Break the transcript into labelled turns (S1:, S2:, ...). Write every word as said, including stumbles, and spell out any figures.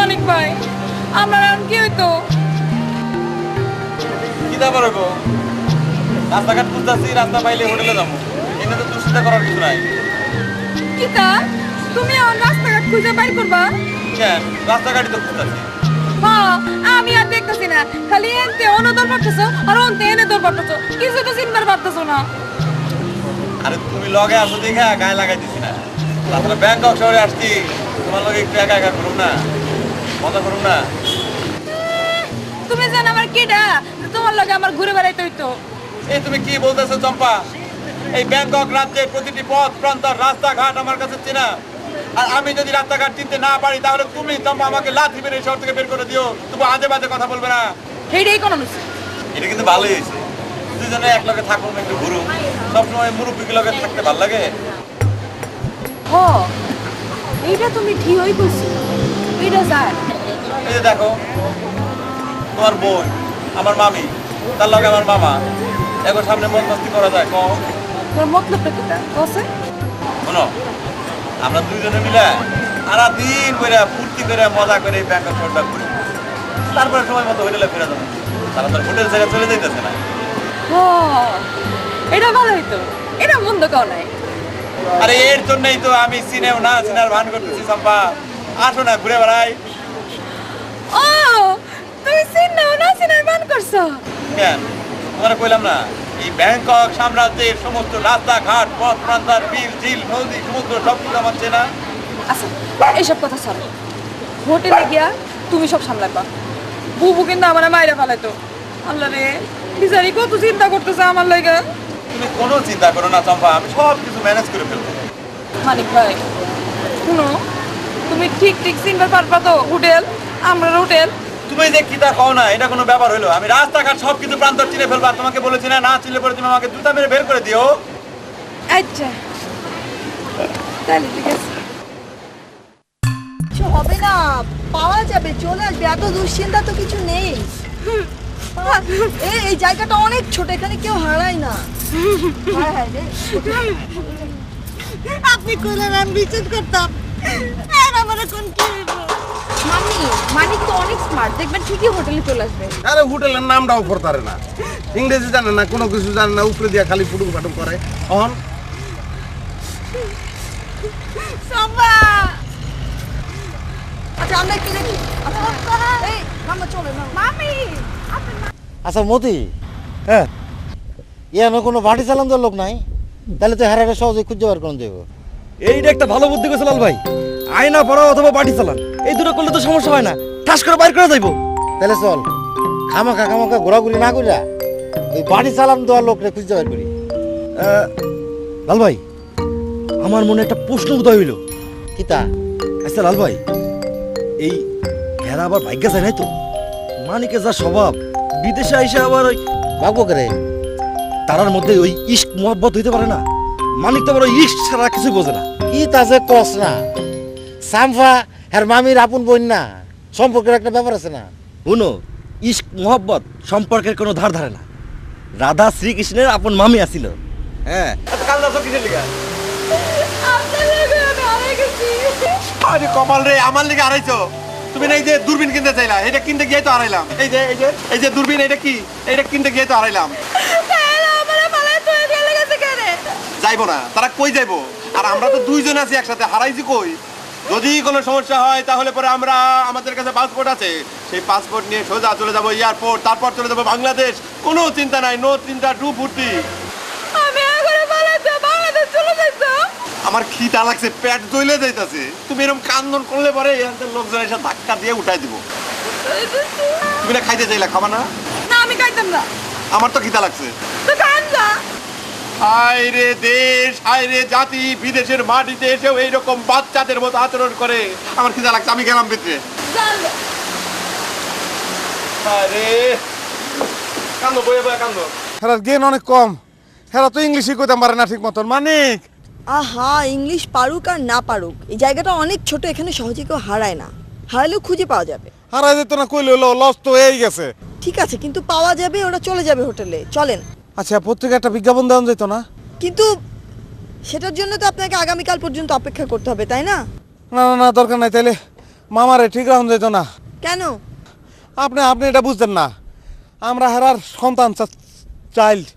S1: মানিক ভাই, আমার আর কি হইতো?
S2: কি ব্যাপার গো? রাস্তাঘাট খুঁজতেছি, রাস্তা পাইলে হোটেলে যাবো। এনে তো দুশ্চিন্তা করার কিছু নাই।
S1: কিতা তুমি আমার রাস্তাঘাট খুঁজে বাইর করবা?
S2: কেন? রাস্তাঘাটই তো খুঁজতেছি।
S1: হ্যাঁ, আমি আর দেখতেছি না, খালি এনতে অনদর পারতেছো আর অন্তে এনে দর পারতেছো, কিছু তো চিন্তার পারতেছো না।
S2: আরে তুমি লগে আসো দেখা গায়ে লাগাইতেছি না। তাছাড়া ব্যাংকক শহরে আসছি, তোমার লগে একটু একা একা করুন না, মজা করুন না।
S1: তুমি জান আমার কিডা, তোমার লগে আমার ঘুরে বেড়াইতে হইতো।
S2: এই তুমি কি বলতেছো চম্পা? এই ব্যাংকক রাজ্যের প্রতিটি পথ প্রান্তর রাস্তাঘাট আমার কাছে চেনা। আর আমি যদি রাস্তাঘাট চিনতে না পারি তাহলে তুমি চম্পা আমাকে লাথি মেরে এই শহর থেকে বের করে দিও। তুমি আজে বাজে কথা বলবে না।
S1: সেইটাই কোনো নিছি।
S2: এটা কিন্তু ভালোই হয়েছে, দুজনে এক লগে থাকুন, একটু ঘুরুন। সবসময় মুরব্বীকে লগে থাকতে ভালো লাগে।
S1: হ, এইটা তুমি ঠিকই কইছো, এইটা যায়।
S2: এই যে দেখো, তোমার বোন, আমার মামি, তার লগে আমার মামা, এখন সামনে মন মস্তি করা যায় কম?
S1: তোর মতলবটা কিটা কসে?
S2: শোনো, আমরা দুইজনে মিলে সারা দিন করে ফুর্তি করে মজা করে এই ব্যাংকক শহরটা ঘুরি। তারপরে সময় মতো হোটেলে ফিরে যাবো। তারা তো হোটেল ছেড়ে চলে যাইতেছে না।
S1: হ, এটা ভালো হইতো, এটা মন্দ কাও নাই।
S2: আরে এর জন্যই তো আমি সিনেও না সিনার ভান করতেছি চম্পা। আসো না ঘুরে বেড়াই।
S1: ও, তুমি সিনেমা না সিনেমা বান করছো?
S2: কেন? তোমার কইলাম না, এই ব্যাংকক সাম্রাজ্যের সমস্ত রাস্তাঘাট পথ প্রান্তর বিল ঝিল নদী সমুদ্র সব কিছু আমার চেনা।
S1: আচ্ছা, এইসব কথা ছাড়ো, হোটেলে গিয়া তুমি সব সামলাবা। বুবু কিন্তু আমার মাইরা ফেলাইতো। আল্লাহ রে, বিচারি কত চিন্তা করতেছে আমার লাগে।
S2: তুমি কোনো চিন্তা করো না চম্পা, আমি সব কিছু ম্যানেজ করে ফেলবো।
S1: মানিক ভাই শুনো, তুমি ঠিক ঠিক চিনতে পারবা তো হোটেল, আমরা হোটেল?
S2: তুমি যে কিতা কও না, এটা কোনো ব্যাপার হলো? আমি রাস্তাঘাট সব কিছু প্রান্তর চিনে ফেলবো। আর তোমাকে বলেছি না, না চিনলে পরে তুমি আমাকে জুতা মেরে বের করে দিও।
S1: আচ্ছা তাহলে ঠিক আছে।
S3: কিছু হবে না, পাওয়া যাবে, চলে আসবে, এত দুশ্চিন্তা তো কিছু নেই। এই এই জায়গাটা অনেক ছোট, এখানে কেউ হারায় না। হায় হায় রে।
S4: আপনি কইলেন আমি বিচার করতাম, আর আমার এখন কি হইব?
S1: মামি, মানিক তো অনেক স্মার্ট, দেখবেন ঠিকই হোটেলে চলে আসবে।
S5: আরে হোটেলের নামটাও করতারে না, ইংরেজি জানে না, কোনো কিছু জানে না, উপরে দিয়া খালি ফুটুক ফাটুক করে। অন
S4: সম্ভা
S3: আচ্ছা আমরা একটু দেখি। আচ্ছা, এই মামা চলে না।
S4: মামি
S6: আচ্ছা মতি, হ্যাঁ ইয়ানো কোনো বাটি চালান দেওয়ার লোক নাই, তাহলে তো হারারে সহজে খুঁজে বার করে দেবো।
S7: এইটা একটা ভালো বুদ্ধি কইছে লাল ভাই। আয়না পড়া অথবা বাটি চালান, এই দুটো করলে তো সমস্যা হয় না, ঠাস করে বাইর করে যাইবো।
S6: তাহলে চল খামাখা খামাখা ঘোরাঘুরি না করিয়া ওই বাটি চালান দেওয়ার লোকরে খুঁজে বার করি।
S7: আহ, লাল ভাই, আমার মনে একটা প্রশ্ন উদয় হইল।
S6: কিতা?
S7: আচ্ছা লাল ভাই, এই হেরা আবার ভাগ্যা যায় নাই তো? মানিকে যা স্বভাব, বিদেশে আইসা আবার ওই
S6: ভাগবো করে
S7: তারার মধ্যে ওই ইস্ক মোহাব্বত হইতে পারে না? মানিক তো আবার ওই ইস্ক ছাড়া কিছু বোঝে না।
S6: কি তা যে কস না, সামফা আর মামির আপন বোন না, সম্পর্কের একটা ব্যাপার আছে না।
S7: শুনো, ইস্ক মোহাব্বত সম্পর্কের কোনো ধার ধারে না। রাধা শ্রীকৃষ্ণের আপন মামি আসিল। হ্যাঁ,
S2: কাল দাসো কিসের লিগা?
S1: আপনার লাগে আমি হারাই গেছি।
S2: আরে কমাল রে, আমার লিগে হারাইছো? তুমি না এই যে দূরবীন কিনতে চাইলা, এটা কিনতে গিয়ে তো হারাইলাম। এই যে এই যে এই যে দূরবীন, এটা কি? এটা কিনতে গিয়ে তো হারাইলাম। যাইবো না, তারা কই যাইবো? আর আমরা তো দুইজন আছি একসাথে, হারাইছি কই? যদি কোনো সমস্যা হয় তাহলে পরে আমরা, আমাদের কাছে পাসপোর্ট আছে, সেই পাসপোর্ট নিয়ে সোজা চলে যাবো এয়ারপোর্ট, তারপর চলে যাবো বাংলাদেশ। কোনো চিন্তা নাই, নো চিন্তা, ডু ফুর্তি।
S1: আমি এখন পালাইতে বাংলাদেশ চলে যাইতো।
S2: আমার খিদা লাগছে, পেট জ্বলে যাইতাছে। তুমি এরকম কান্দন করলে পরে এখানকার লোকজন এসে ধাক্কা দিয়ে উঠাই দিব। তুমি না খাইতে চাইলা, খাবা না?
S1: না আমি খাইতাম না।
S2: আমার তো খিদা লাগছে।
S1: তো খান না।
S2: হায় রে দেশ, হায় রে জাতি, বিদেশের মাটিতে এসেও এইরকম বাচ্চাদের মতো আচরণ করে। আমার খিদা লাগছে, আমি গেলাম ভিতরে।
S1: চল।
S2: হায় রে, কান্দো বয়ে বয়ে কান্দো।
S5: হেরার জ্ঞান অনেক কম, হেরা তো ইংলিশই কইতাম পারে না ঠিক মতন। মানিক
S3: আহা, ইংলিশ পারুক আর না পারুক, এই জায়গাটা অনেক ছোট, এখানে সহজে কেউ হারায় না। হারালেও খুঁজে পাওয়া যাবে।
S5: হারাই যেত না কইলে হলো, লস তো হয়েই গেছে।
S3: ঠিক আছে, কিন্তু পাওয়া যাবে, ওরা চলে যাবে হোটেলে, চলেন।
S5: আচ্ছা পত্রিকা একটা বিজ্ঞাপন দেওয়া যেত না?
S3: কিন্তু সেটার জন্য তো আপনাকে আগামীকাল পর্যন্ত অপেক্ষা করতে হবে, তাই না?
S5: না না না, দরকার নাই। তাইলে মামারে ঠিক রাখুন যেত না।
S3: কেন?
S5: আপনি আপনি এটা বুঝতেন না, আমরা হেরার সন্তান চাইল্ড।